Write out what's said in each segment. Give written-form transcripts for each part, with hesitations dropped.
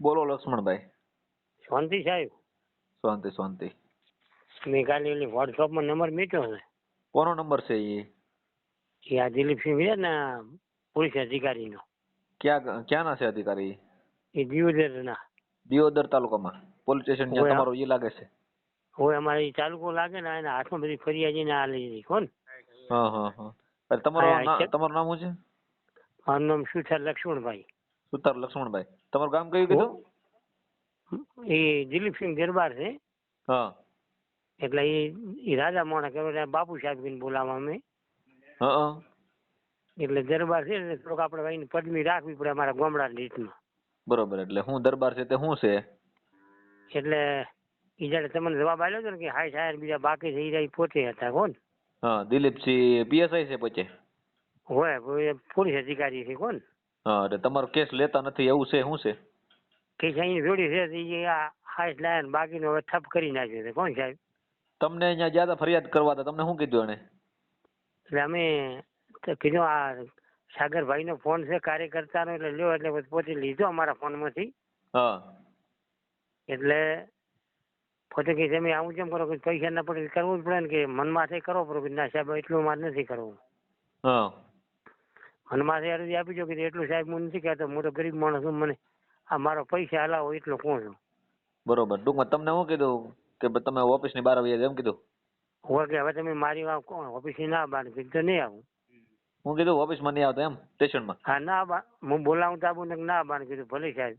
બોલો લક્ષ્મણભાઈ. શાંતિ સાહેબ. શાંતિ શાંતિ. મેં કાલે ઓલી વોટ્સઅપમાં નંબર મૂક્યો છે. કોનો નંબર છે એ આ દિલીપસિંહ છે ને, પોલીસ અધિકારીનો. ક્યાંના છે અધિકારી? એ દિયોદરના. દિયોદર તાલુકામાં પોલીસ સ્ટેશન ત્યાં તમારો ઈ લાગે છે? હોય અમારે એ તાલુકો લાગે ને, એના હાથમાં બધી ફરિયાદી ને આ લઈ લીધી. કોણ? હા હા હા. તમારું નામ શું છે? મારું નામ સુથાર લક્ષ્મણભાઈ. સુતાર લક્ષ્મણભાઈ. તમારું ગામ કયું કીધું? એ દિલીપસિંહ દરબાર છે. હા. એટલે એ રાજા મોણા કહેવાય, બાપુ સાહેબ ને બોલાવવા અમે. હા. એટલે દરબાર છે એટલે થોડોક આપણે એની પદવી રાખવી પડે અમારા ગામડાની રીતમાં. બરોબર. એટલે હું દરબાર છે તે શું છે? એટલે એ જયારે તમને જવાબ આપ્યો હતો ને કે હાય સાહેબ બીજા બાકી થઈ રહ્યા પોતે હતા. કોણ? હા, દિલીપસિંહ પીએસઆઈ છે પોતે? હોય પોલીસ અધિકારી છે. કોણ? હા, એટલે તમારો કેસ લેતા નથી એવું છે? શું છે કેસ અહીં જોડી છે? હાઈટ લાયન બાકીનો હવે ઠપ કરી નાખ્યો છે. કોણ સાહેબ? તમને અહીંયા જ્યાં ફરિયાદ કરવા હતા તમને શું કીધું એને? એટલે અમે કીધું આ સાગરભાઈ નો ફોન છે કાર્યકર્તાનો, એટલે લ્યો, એટલે પોતે લીધો અમારા ફોનમાંથી. હા. એટલે પોતે કે તમે આવું કેમ કરો કે પૈસા ના પડે કરવું જ પડે ને, કે મનમાંથી કરો પડે કે ના સાહેબ એટલું મારે નથી કરવું. હા. મનમાંથી અરજી આપી દો કે એટલું સાહેબ હું નથી કહેતો, હું તો ગરીબ માણસ છું, મને આ મારો પૈસા હલાવો એટલો કોણ છું. બરોબર. ટૂંકમાં તમને શું કીધું કે તમે ઓફિસ ની બહાર આવી એમ કીધું? હોય કે હવે તમે મારી વાત કોણ ઓફિસ ના બાર તો નહીં આવું. હું કીધું ઓફિસ માં નહીં આવતા એમ સ્ટેશનમાં? હા ના બા હું બોલાવું તો આવું ના બાર કીધું ભલે સાહેબ.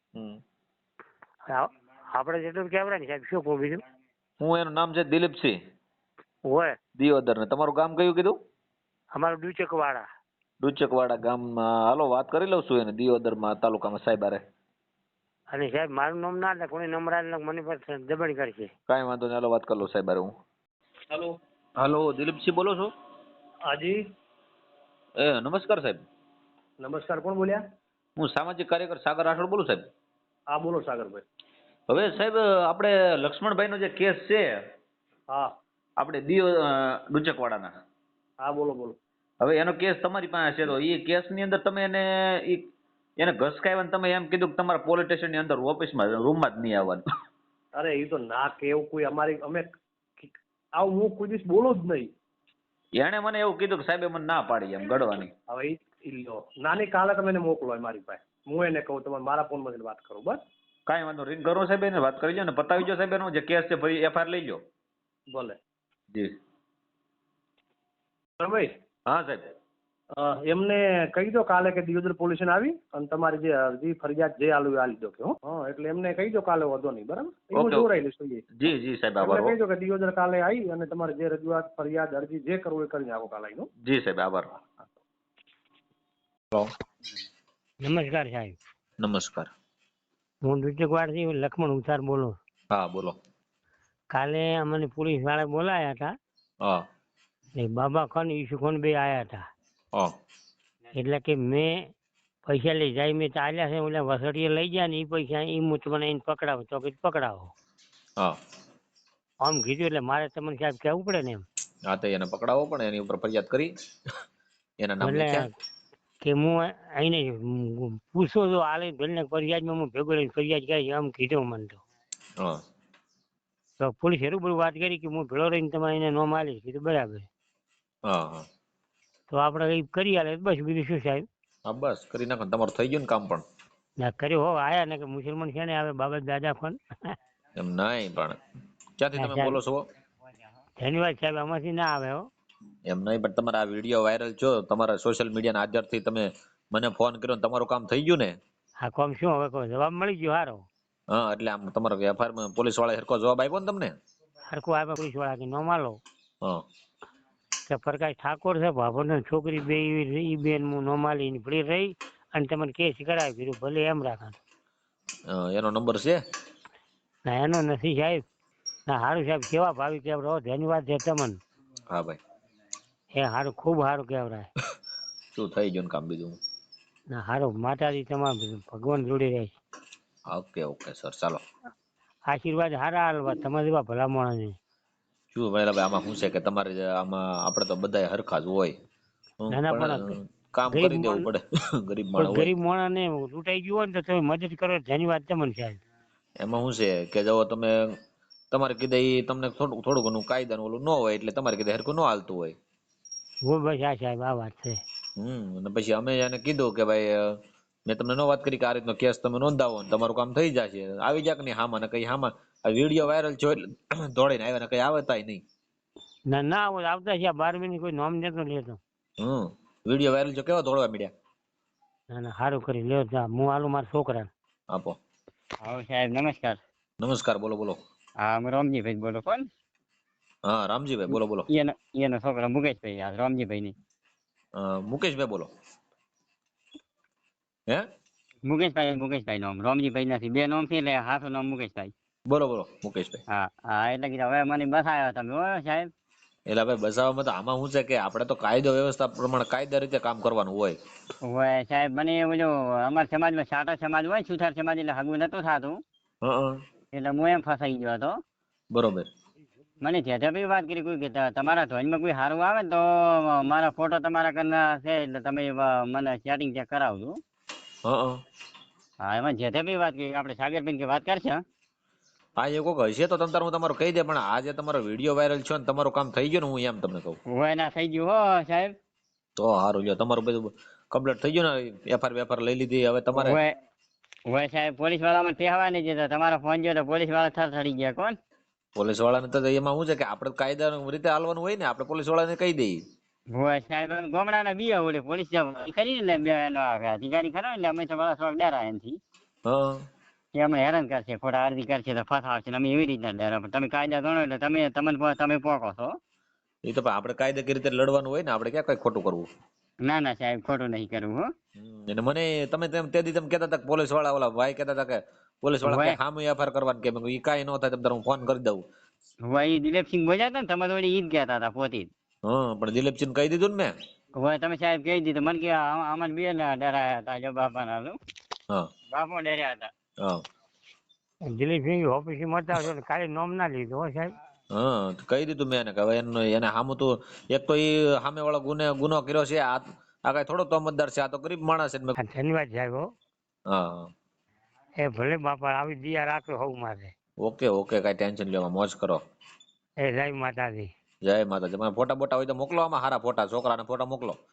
આપણે જેટલું કેવડાય ને સાહેબ, શું કહું બીજું? હું એનું નામ છે દિલીપસિંહ. હોય. દિયોદર ને તમારું ગામ કયું કીધું? અમારું ડુચકવાડા. ડુચકવાડા ગામમાં હાલો વાત કરી લઉં છું એને દિયોદરમાં તાલુકામાં સાહેબ હારે. અને સાહેબ મારું નામ ના લે કોઈ નંબર આલે મને પર દબાણ કરશે. કાંઈ વાંધો નહીં, હાલો વાત કરી લઉં સાહેબ હારે હું. હેલો. હાલો, દિલીપસિંહ બોલો છો? હાજી. નમસ્કાર સાહેબ. નમસ્કાર, કોણ બોલ્યા? હું સામાજિક કાર્યકર સાગર રાઠોડ બોલું સાહેબ. હા બોલો સાગરભાઈ. હવે સાહેબ આપણે લક્ષ્મણભાઈનો જે કેસ છે, હા આપણે ડુચકવાડાના. હા બોલો બોલો. હવે એનો કેસ તમારી પાસે છે, તો એ કેસની અંદર તમે એને ઘસકાવ્યા ને તમે એમ કીધું કે તમારા પોલીસ સ્ટેશનની અંદર ઓફિસમાં રૂમમાં જ નહીં આવવાનું. અરે એ તો ના કે એવું કોઈ અમે આવું હું કોઈ દિવસ બોલો જ નહીં. એણે મને એવું કીધું કે સાહેબ મને ના પાડી એમ ગળવાની. હવે ઈ લો નાની કાલે તમે એને મોકલો મારી પાસે, હું એને કહું તમે મારા ફોનમાંથી વાત કરો. બસ કાંઈ વાંધો રિંગ કરો સાહેબ, એને વાત કરી લો ને પતાવી જો સાહેબ, એનો જે કેસ છે ફરી એફઆઈઆર લઈ લો. ભલે જી ભાઈ. હા સાહેબ. એમને કહી દો કાલે કે દિયોદર પોલીસ સ્ટેશન આવી અને તમારી જે અરજી ફરિયાદ જે આલુ આલી દો કે એટલે એમને કહી દો કાલે વધો નહીં. બરાબર, હું જોરાઈ લઈશ. જી જી સાહેબ આભાર. કહી દો કે દિયોદર કાલે આવી અને તમારે જે રજૂઆત ફરિયાદ અરજી જે કરવું એ કરી નાખો કાલે આવીને. જી સાહેબ આભાર. નમસ્કાર સાહેબ. નમસ્કાર. હું ડુચકવાડથી લક્ષ્મણ ઉતાર બોલું. હા બોલો. કાલે અમને પોલીસ વાળા બોલાયા હતા. હા. બાબા ખાન ઈસુ ખાન બે આયા હતા. હા. એટલે કે મેં પૈસા લઈ જાય મેં ચાલ્યા છે, ઓલા વસડીએ લઈ ગયા ને એ પૈસા એ મુચ મને એને પકડાવો તો કે પકડાવો. હા. આમ કીધું એટલે મારે તમને સાહેબ કહેવું પડે ને એમ. હા તો એને પકડાવો પણ એની ઉપર ફરિયાદ કરી એના નામ લખ્યા કે હું એને પૂછો તો આલે ભલે ફરિયાદમાં હું ભેગો લઈને ફરિયાદ કરી આમ કીધું મને તો. હા. તો પોલીસ એવું બધું વાત કરી કે હું ભેળો રહીને તમારે એને નોમ આલીશ. કીધું બરાબર. હા હા. તો આપણે કઈ કરી આલે બસ, બીજું શું સાહેબ? હા બસ કરી નાખો, તમારું થઈ ગયું ને કામ પણ. ના કર્યો હો આયા ને કે મુસલમાન છે ને આવે બાબત દાદા ફોન. એમ નહીં પણ ક્યાંથી તમે બોલો છો? ધન્યવાદ સાહેબ, આમાંથી ના આવે હો. એમ નહીં પણ તમારા આ વિડીયો વાયરલ છો, તમારા સોશિયલ મીડિયાના આધારથી તમે મને ફોન કર્યો ને તમારું કામ થઈ ગયું ને. હા કોમ શું હવે કોઈ જવાબ મળી ગયો હારો. હા એટલે આમ તમારો એફઆઈઆર પોલીસ વાળા હરકો જવાબ આપ્યો ને તમને? હરકો આવે પોલીસ વાળા કે નો માલો. હા. કે પ્રકાશ ઠાકોર છે ભાભોર છોકરી બે ઈ બેન હું નો માલી ભળી રહી અને તમને કેસ કરાવી કીધું ભલે એમ રાખા. એનો નંબર છે? ના એનો નથી સાહેબ. ના સારું સાહેબ, કેવા ભાવી કેવડો ધન્યવાદ છે તમને. હા ભાઈ. એ સારું, ખૂબ સારું કહેવાય. શું થઈ ગયું કામ બીજું? ના સારું, માતાજી તમારે ભગવાન જોડે રહે. ઓકે ઓકે સર, ચાલો. આશીર્વાદ સારા હાલવા તમારે જેવા ભલા માણસ. શું ભાઈ આમાં શું છે કે તમારે આમાં આપણે તો બધા હરખા જ હોય નાના પણ પણ કામ ગરીબ કરી દેવું માણ- પડે ગરીબ કોઈ માણસ હોય ગરીબ માણસને લૂંટાઈ ગયું હોય ને તો તમે મદદ કરો ધન્યવાદ તમને સાહેબ. એમાં શું છે કે જો તમે તમારે કીધે ઈ તમને થોડું થોડું ઘણું કાયદાનું ઓલું ન હોય એટલે તમારે કીધે હરખું ન હાલતું હોય. હો બસ આ સાહેબ આ વાત છે. અને પછી અમે એને કીધું કે ભાઈ મેં તમને ન વાત કરી કે આ રીતનો કેસ તમે નોંધાવો ને તમારું કામ થઈ જશે આવી જા કે નહીં હામાં ને કઈ હામાં આ વિડીયો વાયરલ થયો એટલે દોડીને આવ્યા ને કઈ આવતાય નહીં. ના ના આવતા છે 12 મિનિટ કોઈ નોમ નતો લેતો. વિડીયો વાયરલ થયો કેવા દોડવા મળ્યા. ના ના સારું કરી લ્યો જા હું આલું મારા છોકરા. આપો. હા સાહેબ નમસ્કાર. નમસ્કાર બોલો બોલો. હા હું રામજીભાઈ બોલો કોણ? હા રામજીભાઈ બોલો બોલો. એનો છોકરો મુકેશભાઈ આ રામજીભાઈ ની. મુકેશભાઈ બોલો. હે મુકેશભાઈ નામ રામજીભાઈ નથી બે નામ છે એટલે હાથું નામ મુકેશભાઈ. બોલો બોલો મુકેશભાઈ. હા હા એટલે કીધું હવે મને બસ આવ્યા તમે હો સાહેબ. એટલે ભાઈ બસાવવામાં તો આમાં શું છે કે આપણે તો કાયદો વ્યવસ્થા પ્રમાણે કાયદા રીતે કામ કરવાનું હોય. હોય સાહેબ મને ઓલો અમારા સમાજમાં સાટા સમાજ હોય સુથાર સમાજ એટલે હગું નતું થતું એટલે હું એમ ફસાઈ ગયો હતો. બરોબર. મને જેઠાભાઈ વાત કરી કોઈ કે તમારા ધ્વજમાં કોઈ સારું આવે ને તો મારા ફોટો તમારા કરના છે એટલે તમે મને સેટિંગ ચેક કરાવજો. હા એમાં જેઠાભાઈ વાત કરી આપણે સાગરભાઈ કે વાત કરશે. હા એ કોઈક હશે તો તમ તાર હું તમારું કહી દે પણ આજે તમારો વિડીયો વાયરલ છે ને તમારું કામ થઈ ગયું ને હું એમ તમને કહું. હોય ના થઈ ગયું હો સાહેબ. તો સારું લ્યો તમારું બધું કમ્પ્લીટ થઈ ગયું ને એફઆર લઈ લીધી હવે તમારે. હોય સાહેબ પોલીસ વાળામાં કહેવા નહીં જતા તમારો ફોન જોયો તો પોલીસ વાળા થરથડી ગયા કોણ. પોલીસ વાળાને તો એમાં શું છે કે આપણે કાયદા રીતે હાલવાનું હોય ને આપણે પોલીસ વાળાને કહી દઈએ. હોય સાહેબ ગામડાના બીયા ઓલે પોલીસ કરી ને બે અધિકારી ખરા એટલે અમે તો વાળા થોડાક ડરા એનથી. કે અમે હેરાન કરશે ખોટા અરજી કરશે તો ફસાવશે અમે એવી રીતના ડરા તમે કાયદા ગણો એટલે તમે પોકો છો. એ તો આપણે કાયદાકીય રીતે લડવાનું હોય ને આપણે ક્યાં કઈ ખોટું કરવું. ના ના સાહેબ ખોટું નહીં કરવું હો. અને મને તમે તે દી તમે કહેતા હતા પોલીસ વાળા ઓલા ભાઈ કહેતા હતા કે પોલીસ વાળા કે સામે એફઆર કરવાની કે એ કાંઈ ન થાય તમે હું ફોન કરી દઉં. હોય એ દિલીપસિંહ બોલ્યા હતા ને તમારે વળી ઈ જ કહેતા હતા પોતે. પણ દિલીપસિંહ કહી દીધું ને મેં. હોય તમે સાહેબ કહી દીધું મને કે આમાં બે ના ડરાયા હતા જો બાપાના બાપો ડર્યા હતા. દિલીપસિંહ ઓફિસમાં હતા એટલે કાલે નોમ ના લીધું હો સાહેબ. કહી દીધું મેં એને કે હવે એને સામું તો એક તો એ સામે વાળો ગુનો કર્યો છે આ કઈ થોડો તોમતદાર છે આ તો ગરીબ માણસ છે. ધન્યવાદ સાહેબ હો. હા એ ભલે બાપા આવી દિયા રાખો હોવ મારે. ઓકે ઓકે કઈ ટેન્શન લેવા મોજ કરો. એ જય માતાજી. જય માતાજી. મને ફોટા બોટા હોય તો મોકલો આમાં સારા ફોટા છોકરાના ફોટા મોકલો.